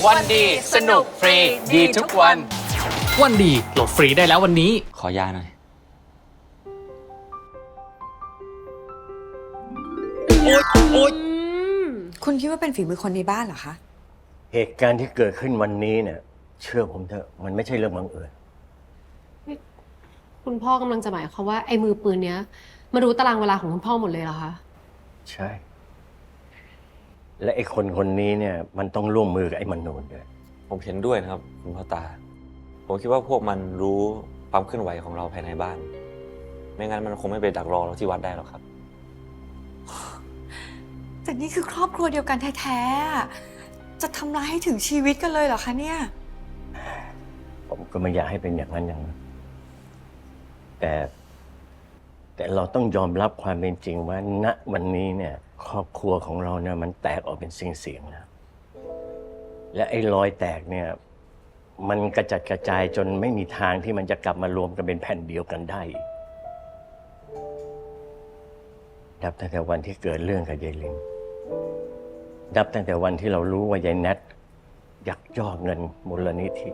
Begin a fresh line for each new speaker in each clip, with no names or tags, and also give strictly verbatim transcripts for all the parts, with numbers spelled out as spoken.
วันดีสนุกฟรีดีทุกวัน
วันดีโหลดฟรีได้แล้ววันนี้
ขอยาหน่อย
โอ๊ยโอ๊ย
คุณคิดว่าเป็นฝีมือคนในบ้านเหรอคะ
เหตุการณ์ที่เกิดขึ้นวันนี้เนี่ยเชื่อผมเถอะมันไม่ใช่เรื่องบังเอิญ
คุณพ่อกำลังจะหมายความว่าไอ้มือปืนเนี้ยมารู้ตารางเวลาของคุณพ่อหมดเลยเหรอคะ
ใช่และไอ้คนคนนี้เนี่ยมันต้องร่วมมือกับไอ้มนูนด้วย
ผมเห็นด้วยนะครับคุณพ่อตาผมคิดว่าพวกมันรู้ความเคลื่อนไหวของเราภายในบ้านไม่งั้นมันคงไม่ไปดักรอเราที่วัดได้หรอกครับ
แต่นี่คือครอบครัวเดียวกันแท้ๆจะทำร้ายให้ถึงชีวิตกันเลยเหรอคะเนี่ย
ผมก็ไม่อยากให้เป็นอย่างนั้นอย่างนั้นแต่แต่เราต้องยอมรับความเป็นจริงว่าณวันนี้เนี่ยครอบครัวของเราเนี่ยมันแตกออกเป็นเสียงๆแล้วและไอ้รอยแตกเนี่ยมันกระจัดกระจายจนไม่มีทางที่มันจะกลับมารวมกันเป็นแผ่นเดียวกันได้นับตั้งแต่วันที่เกิดเรื่องกับยายลินนับตั้งแต่วันที่เรารู้ว่ายายแนทยักยอกเงินมูลนิธิ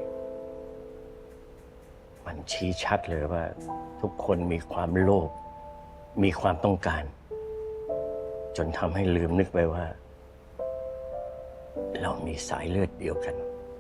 มันชี้ชัดเลยว่าทุกคนมีความโลภมีความต้องการจนทำให้ลืมนึกไปว่าเรามีสายเลือดเดียวกัน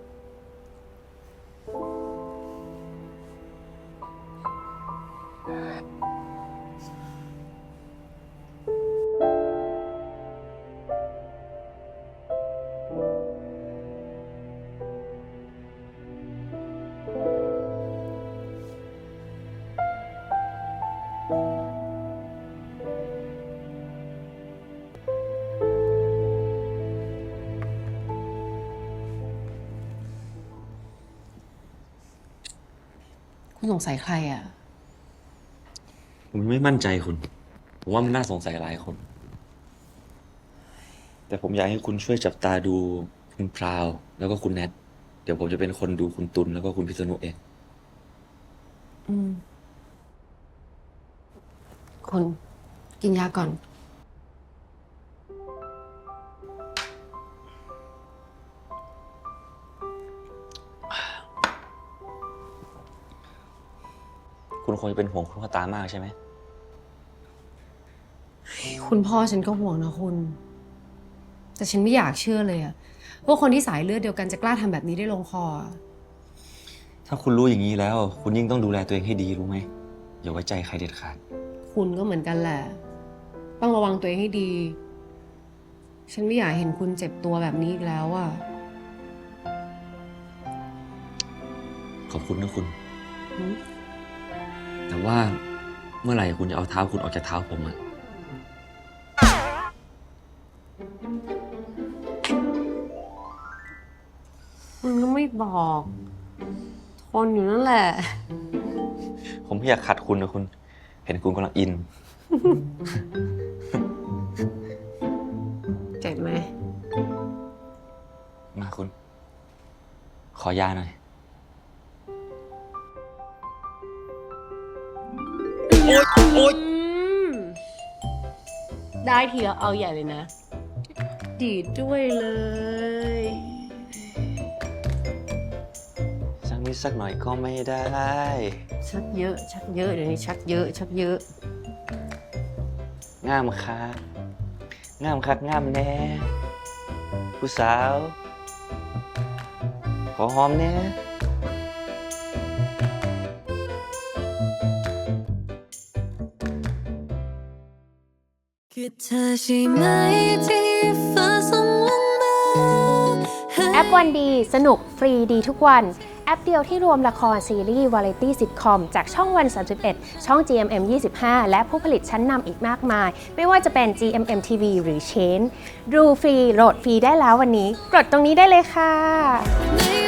คุณสงสัยใครอ่ะ
ผมไม่มั่นใจคุณผมว่ามันน่าสงสัยหลายคนแต่ผมอยากให้คุณช่วยจับตาดูคุณพราวแล้วก็คุณแนทเดี๋ยวผมจะเป็นคนดูคุณตุลแล้วก็คุณพิษณุเอง
อืมคุณกินยาก่อน
คุณคงจะเป็นห่วงคุณพ่อตามากใช่ไหม
คุณพ่อฉันก็ห่วงนะคุณแต่ฉันไม่อยากเชื่อเลยอะว่าคนที่สายเลือดเดียวกันจะกล้าทำแบบนี้ได้ลงคอ
ถ้าคุณรู้อย่างนี้แล้วคุณยิ่งต้องดูแลตัวเองให้ดีรู้ไหมอย่าไว้ใจใครเด็ดขาด
คุณก็เหมือนกันแหละต้องระวังตัวเองให้ดีฉันไม่อยากเห็นคุณเจ็บตัวแบบนี้อีกแล้วอะ
ขอบคุณนะคุณแต่ว่าเมื่อไหร่คุณจะเอาเท้าคุณออกจากเท้าผมอะ
คุณก็ไม่บอกทนอยู่นั่นแหละ
ผมไม่อยากขัดคุณนะคุณเห็นคุณกำลังอิน
เจ็บไหม
มาคุณขอยาหน่อย
โอ๊ยโอ๊ย
ได้ทีแล้วเอาใหญ่เลยนะดีดด้วยเลย
สักนิดสักหน่อยก็ไม่ได้
ชักเยอะชักเยอะเดี๋ยวนี้ชักเยอะชักเยอะ
ง่ามคักง่ามคักง่ามแน่ผู้สาวขอหอมแน่
คือเธอใช่ไหมที่ฟ้าส่งลงมา
แอปวันดีสนุกฟรีดีทุกวันแอปเดียวที่รวมละครซีรีส์วาไรตี้ซิทคอมจากช่องวันสามสิบเอ็ดช่อง จี เอ็ม เอ็ม ยี่สิบห้า และผู้ผลิตชั้นนำอีกมากมายไม่ว่าจะเป็น จี เอ็ม เอ็ม ที วี หรือ Chain ดูฟรีโหลดฟรีได้แล้ววันนี้กดตรงนี้ได้เลยค่ะ